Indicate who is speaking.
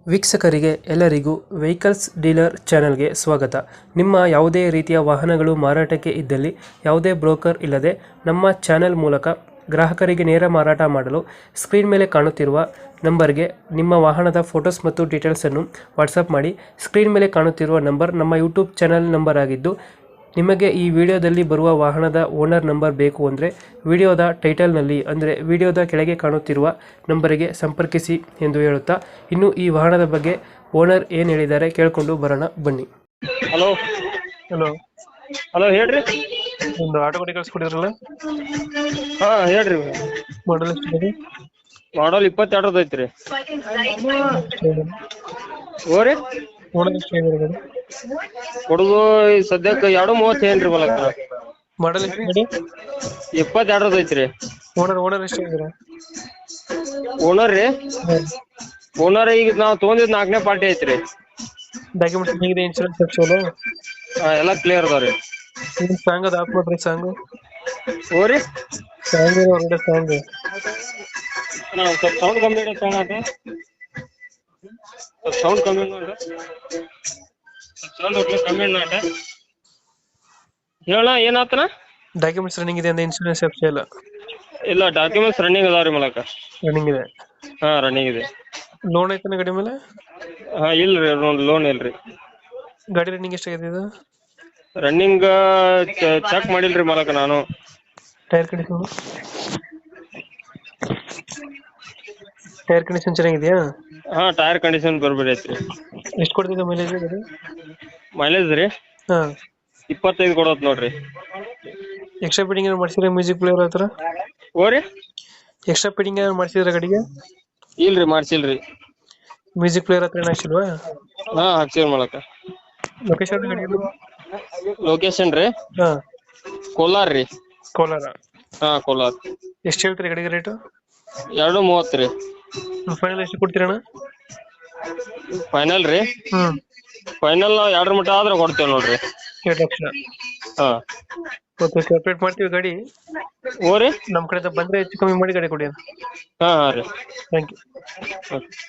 Speaker 1: ವೀಕ್ಷಕರಿಗೆ ಎಲ್ಲರಿಗೂ vehicles dealer ಚಾನೆಲ್ಗೆ ಸ್ವಾಗತ. ನಿಮ್ಮ ಯಾವುದೇ ರೀತಿಯ ವಾಹನಗಳು ಮಾರಾಟಕ್ಕೆ ಇದ್ದಲ್ಲಿ ಯಾವುದೇ ಬ್ರೋಕರ್ ಇಲ್ಲದೆ ನಮ್ಮ ಚಾನೆಲ್ ಮೂಲಕ ಗ್ರಾಹಕರಿಗೆ ನೇರ ಮಾರಾಟ ಮಾಡಲು ಸ್ಕ್ರೀನ್ ಮೇಲೆ ಕಾಣುತ್ತಿರುವ ನಂಬರ್ಗೆ ನಿಮ್ಮ ವಾಹನದ ಫೋಟೋಸ್ ಮತ್ತು ಡೀಟೇಲ್ಸನ್ನು ವಾಟ್ಸಪ್ ಮಾಡಿ. ಸ್ಕ್ರೀನ್ ಮೇಲೆ ಕಾಣುತ್ತಿರುವ ನಂಬರ್ ನಮ್ಮ ಯೂಟ್ಯೂಬ್ ಚಾನೆಲ್ ನಂಬರ್ ಆಗಿದ್ದು, ನಿಮಗೆ ಈ ವಿಡಿಯೋದಲ್ಲಿ ಬರುವ ವಾಹನದ ಓನರ್ ನಂಬರ್ ಬೇಕು ಅಂದರೆ ವಿಡಿಯೋದ ಟೈಟಲ್ನಲ್ಲಿ ಅಂದರೆ ವಿಡಿಯೋದ ಕೆಳಗೆ ಕಾಣುತ್ತಿರುವ ನಂಬರಿಗೆ ಸಂಪರ್ಕಿಸಿ ಎಂದು ಹೇಳುತ್ತಾ, ಇನ್ನು ಈ ವಾಹನದ ಬಗ್ಗೆ ಓನರ್ ಏನು ಹೇಳಿದ್ದಾರೆ ಕೇಳಿಕೊಂಡು ಬರೋಣ ಬನ್ನಿ.
Speaker 2: ಹಲೋ
Speaker 1: ಹಲೋ,
Speaker 2: ಹಲೋ ಹೇಳ್ರಿ.
Speaker 1: ಒಂದು ಆಟೋ ಗಾಡಿ ಕಳಿಸ್ಕೊಡಿದ್ರಲ್ಲ,
Speaker 2: ಹಾ ಹೇಳ್ರಿ.
Speaker 1: ಮಾಡಲ್ ಎಷ್ಟಿದೆ?
Speaker 2: ಮಾಡಲ್ 22 ಐತ್ರಿ. ಓರಿ
Speaker 1: ಓನರ್ ಎಷ್ಟಿದೆ ಗಾಡಿ?
Speaker 2: ಹುಡುಗು ಸದ್ಯಕ್ಕೆ 2:30 ಏನ್ರಿ ಬಲಕ.
Speaker 1: ಮಾಡಲ್ ಎಷ್ಟಿದೆ?
Speaker 2: 22 ಐತ್ರಿ.
Speaker 1: ಓನರ್ ಎಷ್ಟಿದೆ?
Speaker 2: ಓನರ್ ರೀ, ಓನರ್ ಈಗ ನಾವು ತೊಗೊಂಡಿದ್ 4ನೇ ಪಾರ್ಟಿ ಐತ್ರಿ.
Speaker 1: ಡಾಕ್ಯುಮೆಂಟ್ಸ್ ಹೇಗಿದೆ? ಇನ್ಶೂರೆನ್ಸ್ ತಪ್ಸೋಲ್ಲ?
Speaker 2: ಎಲ್ಲ ಕ್ಲಿಯರ್ ಅದಾವ್ರಿ.
Speaker 1: ಏನು ಸಾಂಗ್ ಅದು ಹಾಕ್ ಮಾಡ್ರಿ. ಸಾಂಗು
Speaker 2: ಓರಿ
Speaker 1: ಸಾಂಗ್ ಹೊರಗಡೆ ಸಾಂಗ್
Speaker 2: ನಾವು ಸ್ವಲ್ಪ ಸೌಂಡ್ ಕಮ್ಮಿ ಇಡೋ ಸೌಂಡ್ ಕಮ್ಮಿ ನೋಡ್ರಿ. ಸೌಂಡ್ ಒಟ್ಟು ಕಮ್ಮಿ ನೋಡ್ರಿ. ಹೇಳ ಏನಾತನ?
Speaker 1: ಡಾಕ್ಯುಮೆಂಟ್ಸ್ ರನ್ನಿಂಗ್ ಇದೆ ಅಂದ್ರೆ ಇನ್ಶೂರೆನ್ಸ್ ತಪ್ಸ ಇಲ್ಲ?
Speaker 2: ಇಲ್ಲ, ಡಾಕ್ಯುಮೆಂಟ್ಸ್ ರನ್ನಿಂಗ್ ಅದಾವ್ರಿ ಮೂಲಕ.
Speaker 1: ರನ್ನಿಂಗ್ ಇದೆ?
Speaker 2: ಹಾ ರನ್ನಿಂಗ್ ಇದೆ.
Speaker 1: ಲೋನ್ ಐತನ ಗಾಡಿ ಮೇಲೆ?
Speaker 2: ಹಾ ಇಲ್ರಿ, ಲೋನ್ ಇಲ್ರಿ.
Speaker 1: ಗಾಡಿ ರನ್ನಿಂಗ್ ಎಷ್ಟಾಗಿದೆ ಇದು?
Speaker 2: ರನ್ನಿಂಗ್ ಚೆಕ್ ಮಾಡಿಲ್ರಿ ಮಾಲಕ ನಾನು.
Speaker 1: ಟೈರ್ ಕಂಡೀಷನ್ ಚೆನ್ನಾಗಿದೆಯಾ?
Speaker 2: ಹಾ ಟೈರ್ ಕಂಡೀಷನ್ ಬರ್ಬೇಡಿ ಐತ್ರಿ.
Speaker 1: ಎಷ್ಟು ಕೊಡ್ತಿದ್ದ ಮೈಲೇಜ್ ಗಾಡಿ?
Speaker 2: ಮೈಲೇಜ್ ರೀ
Speaker 1: ಹಾ
Speaker 2: 25 ಕೊಡೋತ್ ನೋಡ್ರಿ.
Speaker 1: ಎಕ್ಸ್ಟ್ರಾ ಫಿಟ್ಟಿಂಗ್ ಏನಾದ್ರು ಮಾಡಿಸಿದ್ರೆ ಮ್ಯೂಸಿಕ್ ಪ್ಲೇಯರ್ ಹತ್ರ?
Speaker 2: ಓರಿ
Speaker 1: ಎಕ್ಸ್ಟ್ರಾ ಫಿಟ್ಟಿಂಗ್ ಏನಾದ್ರು ಮಾಡಿಸಿದ್ರೆ ಗಾಡಿಗೆ?
Speaker 2: ಇಲ್ರಿ ಮಾಡ್ಸಿಲ್ರಿ.
Speaker 1: ಮ್ಯೂಸಿಕ್ ಪ್ಲೇಯರ್ ಹತ್ರ ಏನು ಹಾಕ್ಸಿಲ್ವಾ?
Speaker 2: ಹಾ ಹಾಕ್ಸಿವ್ರಿ ಮಾಲಕ.
Speaker 1: ಲೊಕೇಶನ್ ಗಾಡಿ?
Speaker 2: ಲೊಕೇಶನ್ ರೀ
Speaker 1: ಹಾ
Speaker 2: ಕೋಲಾರ್ ರೀ.
Speaker 1: ಕೋಲಾರ?
Speaker 2: ಹಾ ಕೋಲಾರ್.
Speaker 1: ಎಷ್ಟು ಹೇಳ್ತೀರಿ ಗಾಡಿಗೆ ರೇಟು?
Speaker 2: 2:30 ರೀ.
Speaker 1: ಫೈನಲ್ ಎಷ್ಟು ಕೊಡ್ತೀರಣ್ಣ?
Speaker 2: ಫೈನಲ್ ರೀ, ಫೈನಲ್ 2 ಮಟ್ಟ ಆದ್ರೆ ಕೊಡ್ತೇವೆ ನೋಡ್ರಿ.
Speaker 1: 2 ಲಕ್ಷ?
Speaker 2: ಹಾ
Speaker 1: ಓಕೆ, ಸಪ್ರೇಟ್ ಮಾಡ್ತೀವಿ ಗಾಡಿ.
Speaker 2: ಓರಿ
Speaker 1: ನಮ್ಮ ಕಡೆಯಿಂದ ಬಂದರೆ ಹೆಚ್ಚು ಕಮ್ಮಿ ಮಾಡಿ ಗಾಡಿ ಕೊಡಿ.
Speaker 2: ಹಾ ರೀ.
Speaker 1: Thank you.
Speaker 2: ಓಕೆ.